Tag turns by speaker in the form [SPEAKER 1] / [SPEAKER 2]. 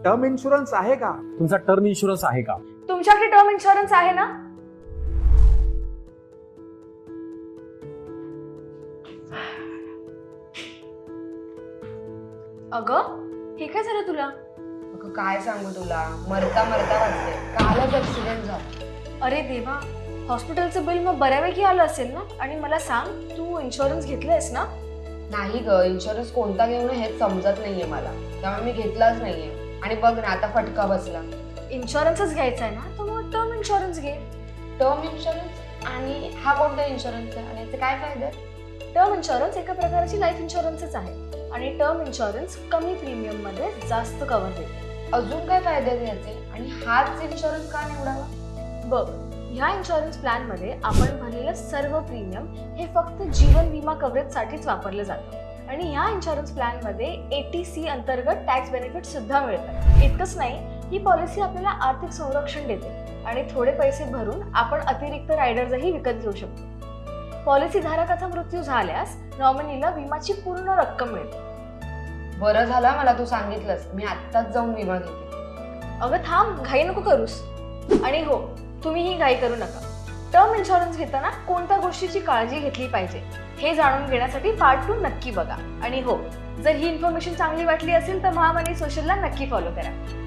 [SPEAKER 1] Term insurance आहे का?
[SPEAKER 2] तुमचा टर्म इन्शुरन्स आहे का?
[SPEAKER 3] तुमच्याकडे टर्म इन्शुरन्स आहे ना? अगं हे काय झालं तुला?
[SPEAKER 4] अगं काय सांगू तुला, मरता मरता वाचले, कालच ऍक्सिडेंट झाला.
[SPEAKER 3] अरे देवा, हॉस्पिटलचं बिल मग बऱ्यापैकी आलं असेल ना? आणि मला सांग, तू इन्शुरन्स घेतलंयस ना?
[SPEAKER 4] नाही ग, इन्शुरन्स कोणता घेऊ नये हेच समजत नाहीये मला, त्यामुळे मी घेतलाच नाहीये. आणि बघ ना आता फटका बसला.
[SPEAKER 3] इन्शुरन्सच घ्यायचा आहे ना, तर मग टर्म इन्शुरन्स घे.
[SPEAKER 4] Term insurance? आणि हा कोणता इन्शुरन्स आहे आणि याचे काय फायदे?
[SPEAKER 3] टर्म इन्शुरन्स एका प्रकारची लाईफ इन्शुरन्सच आहे आणि टर्म इन्शुरन्स कमी प्रीमियम मध्ये जास्त कव्हर देते.
[SPEAKER 4] अजून काय फायदे आहेत याचे आणि हाच इन्शुरन्स का निवडावा?
[SPEAKER 3] बघ, ह्या इन्शुरन्स प्लॅन मध्ये आपण भरलेलं सर्व प्रीमियम हे फक्त जीवन विमा कव्हरेज साठीच वापरलं जातं आणि ह्या इन्शुरन्स प्लॅन मध्ये ATC अंतर्गत टॅक्स बेनिफिट सुद्धा मिळतात. इतकंच नाही, ही पॉलिसी आपल्याला आर्थिक संरक्षण देते आणि थोडे पैसे भरून आपण अतिरिक्त रायडर्सही विकत घेऊ शकतो. पॉलिसी धारकाचा मृत्यू झाल्यास नॉमिनीला विमाची पूर्ण रक्कम मिळते.
[SPEAKER 4] बरं झालं मला तू सांगितलंस, मी आत्ताच जाऊन विमा घेते.
[SPEAKER 3] अगं थांब, घाई नको करूस. आणि हो, तुम्हीही घाई करू नका. टर्म इन्शुरन्स घेताना कोणत्या गोष्टीची काळजी घेतली पाहिजे हे जाणून घेण्यासाठी पार्ट 2 नक्की बघा. आणि हो, जर ही इन्फॉर्मेशन चांगली वाटली असेल तर महामनी सोशलला नक्की फॉलो करा.